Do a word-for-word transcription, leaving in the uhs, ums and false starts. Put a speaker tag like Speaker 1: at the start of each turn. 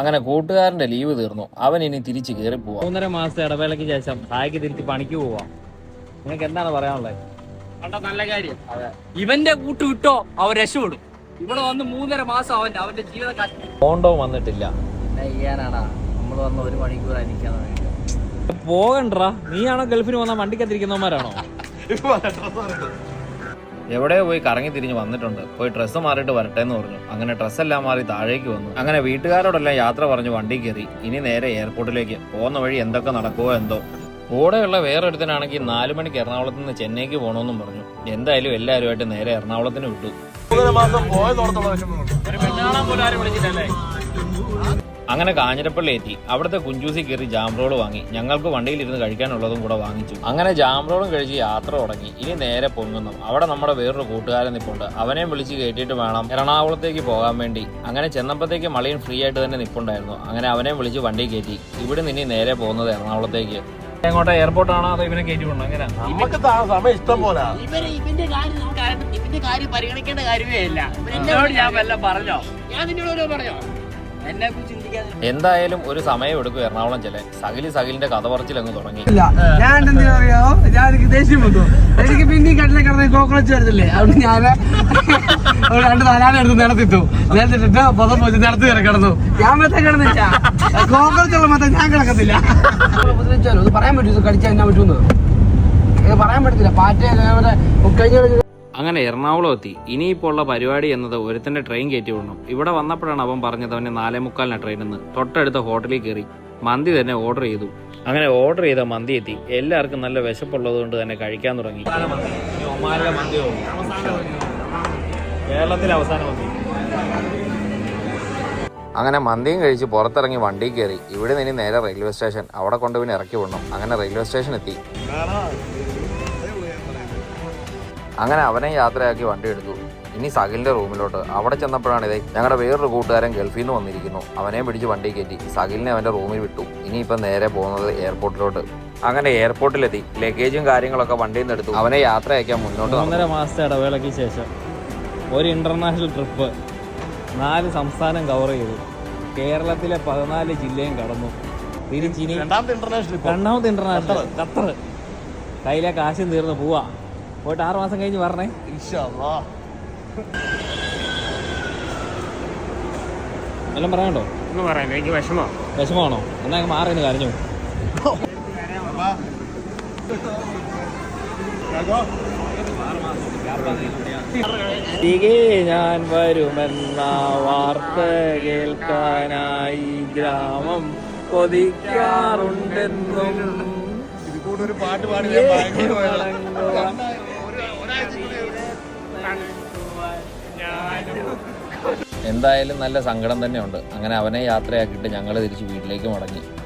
Speaker 1: അങ്ങനെ കൂട്ടുകാരന്റെ ലീവ് തീർന്നു. അവൻ ഇനി തിരിച്ചു കയറി പോവാം.
Speaker 2: മൂന്നര മാസത്തെ ഇടവേളയ്ക്ക് ശേഷം സായിക്ക് തിരിച്ച് പണിക്ക് പോവാം. നിങ്ങൾക്ക് എന്താണ് പറയാനുള്ളത്?
Speaker 3: നല്ല കാര്യം. ഇവന്റെ കൂട്ട് വിട്ടോ അവൻ രക്ഷപ്പെടും. ഇവിടെ വന്ന് മൂന്നര മാസം അവൻ അവന്റെ ജീവിതം
Speaker 1: കോണ്ടോ വന്നിട്ടില്ല.
Speaker 3: പിന്നെ ചെയ്യാനാടാ, നമ്മൾ വന്ന് ഒരു മണിക്കൂർ അനിക്കാന്ന്
Speaker 2: പോകണ്ടാ. നീയാണോ ഗൾഫിന് വന്ന വണ്ടിക്കത്തിരിക്കുന്നവന്മാരാണോ?
Speaker 1: എവിടെയോ പോയി കറങ്ങി തിരിഞ്ഞ് വന്നിട്ടുണ്ട്. പോയി ഡ്രസ്സ് മാറിയിട്ട് വരട്ടെ എന്ന് പറഞ്ഞു. അങ്ങനെ ഡ്രസ്സെല്ലാം മാറി താഴേക്ക് വന്നു. അങ്ങനെ വീട്ടുകാരോടെല്ലാം യാത്ര പറഞ്ഞു വണ്ടി കയറി. ഇനി നേരെ എയർപോർട്ടിലേക്ക്. പോകുന്ന വഴി എന്തൊക്കെ നടക്കുമോ എന്തോ. കൂടെയുള്ള വേറൊരുത്തനാണെങ്കിൽ നാലു മണിക്ക് എറണാകുളത്ത് നിന്ന് ചെന്നൈക്ക് പോകണമെന്നും പറഞ്ഞു. എന്തായാലും എല്ലാവരുമായിട്ട് നേരെ എറണാകുളത്തിന് വിട്ടു. അങ്ങനെ കാഞ്ഞിരപ്പള്ളി എത്തി. അവിടുത്തെ കുഞ്ചൂസി കയറി ജാം റോൾ വാങ്ങി. ഞങ്ങൾക്ക് വണ്ടിയിലിരുന്ന് കഴിക്കാനുള്ളതും കൂടെ വാങ്ങിച്ചു. അങ്ങനെ ജാം റോളും കഴിച്ച് യാത്ര തുടങ്ങി. ഇനി നേരെ പൊങ്ങുന്നു. അവിടെ നമ്മുടെ വേറൊരു കൂട്ടുകാരൻ നിപ്പുണ്ട്. അവനെയും വിളിച്ച് കയറ്റിയിട്ട് വേണം എറണാകുളത്തേക്ക് പോകാൻ വേണ്ടി. അങ്ങനെ ചെന്നപ്പോഴത്തേക്ക് മളിയൻ ഫ്രീ ആയിട്ട് തന്നെ നിപ്പുണ്ടായിരുന്നു. അങ്ങനെ അവനെയും വിളിച്ച് വണ്ടി കയറ്റി. ഇവിടെ നിന്ന് നേരെ പോകുന്നത് എറണാകുളത്തേക്ക്. എങ്ങോട്ടാ, എയർപോർട്ടാണോ അതോ ഇവനെ കയറ്റി പോകണം? അങ്ങനെ
Speaker 3: ഇവന്റെ കാര്യം ഇവന്റെ കാര്യം പരിഗണിക്കേണ്ട കാര്യമേ ഇല്ല. ഞാൻ വല്ലതും പറഞ്ഞോ? ഞാൻ നിന്നോട് പറഞ്ഞോ? എന്നെ കുറിച്ച് ചിന്തിക്കാതെ
Speaker 1: എന്തായാലും ഒരു സമയം എടുക്കും എറണാകുളം ചെല്ലാൻ. സകിലി സകിലിന്റെ കഥ പറച്ചിലങ്ങ് തുടങ്ങി.
Speaker 4: ഞാൻ എന്തിനാ അറിയാമോ, ഞാൻ എനിക്ക് ദേഷ്യം വന്നു. എനിക്ക് പിന്നെയും കട്ടിലെ കിടന്ന് കോക്രോച്ച് വരത്തില്ലേ, അതുകൊണ്ട് ഞാൻ രണ്ട് നാലാളെ എടുത്ത് നിലത്തിട്ടു. നിലത്തിട്ടിട്ട് പൊതം പോയി നിലത്ത് കയറി കിടന്നു. ഞാൻ മൊത്തം കിടന്നില്ല, കോക്രോച്ചുള്ള മൊത്തം ഞാൻ കിടക്കത്തില്ല. ഉപദ്രവിച്ചാലോ ഇത് പറയാൻ പറ്റൂ, ഇത് കടിച്ചാൽ എന്നാ പറ്റൂന്ന് ഇത് പറയാൻ പറ്റത്തില്ല. പാറ്റ കഴിഞ്ഞ
Speaker 1: അങ്ങനെ എറണാകുളം എത്തി. ഇനിയിപ്പോൾ ഉള്ള പരിപാടി എന്നത് ഒരുത്തന്റെ ട്രെയിൻ കയറ്റി വിടണം. ഇവിടെ വന്നപ്പോഴാണ് അവൻ പറഞ്ഞത് അവന് നാലേ മുക്കാലിന് ട്രെയിനെന്ന്. തൊട്ടടുത്ത ഹോട്ടലിൽ കയറി മന്തി തന്നെ ഓർഡർ ചെയ്തു. അങ്ങനെ ഓർഡർ ചെയ്ത മന്തി എത്തി. എല്ലാവർക്കും നല്ല വിശപ്പുള്ളത് കൊണ്ട് തന്നെ കഴിക്കാൻ തുടങ്ങി.
Speaker 2: കേരളത്തിലെ അവസാന മന്തി.
Speaker 1: അങ്ങനെ മന്തിയും കഴിച്ച് പുറത്തിറങ്ങി വണ്ടി കയറി. ഇവിടെ നിന്ന് നേരെ റെയിൽവേ സ്റ്റേഷൻ. അവിടെ കൊണ്ടുപോയി ഇറക്കി വിടണം. അങ്ങനെ റെയിൽവേ സ്റ്റേഷൻ എത്തി. അങ്ങനെ അവനെ യാത്രയാക്കി വണ്ടി എടുത്തു. ഇനി സകിലിന്റെ റൂമിലോട്ട്. അവിടെ ചെന്നപ്പോഴാണ് ഇതേ ഞങ്ങളുടെ വേറൊരു കൂട്ടുകാരൻ ഗൾഫിൽ നിന്ന് വന്നിരിക്കുന്നു. അവനെ പിടിച്ച് വണ്ടി കയറ്റി സകിലിനെ അവന്റെ റൂമിൽ വിട്ടു. ഇനിയിപ്പം നേരെ പോകുന്നത് എയർപോർട്ടിലോട്ട്. അങ്ങനെ എയർപോർട്ടിലെത്തി. ലഗേജും കാര്യങ്ങളൊക്കെ വണ്ടിയിൽ നിന്ന് എടുത്തു. അവനെ യാത്ര അയക്കാൻ മുന്നോട്ട്.
Speaker 2: ഒന്നര മാസത്തെ ഇടവേളയ്ക്ക് ശേഷം ഒരു ഇന്റർനാഷണൽ ട്രിപ്പ്. നാല് സംസ്ഥാനം കവർ ചെയ്തു. കേരളത്തിലെ പതിനാല് ജില്ലയും കടന്നു. തിരിച്ചിനി രണ്ടാമത്തെ ഇന്റർനാഷണൽ ഖത്തർ. കയ്യിലെ കാശും തീർന്ന് പോവാ. പോയിട്ട് ആറ് മാസം കഴിഞ്ഞ് പറഞ്ഞേ. എല്ലാം പറയാനുണ്ടോ?
Speaker 3: ഒന്നും പറയാൻ എനിക്ക് വിഷമോ
Speaker 2: വിഷമാണോ? എന്നാ മാറിന്ന് കരഞ്ഞു. തികെ ഞാൻ വരുമെന്ന വാർത്ത കേൾക്കാനായി ഗ്രാമം കൊതിക്കാറുണ്ടെന്നും.
Speaker 5: ഒരു പാട്ട് പാടി
Speaker 1: എന്തായാലും നല്ല സങ്കടം തന്നെയുണ്ട്. അങ്ങനെ അവനെ യാത്രയാക്കിയിട്ട് ഞങ്ങൾ തിരിച്ച് വീട്ടിലേക്ക് മടങ്ങി.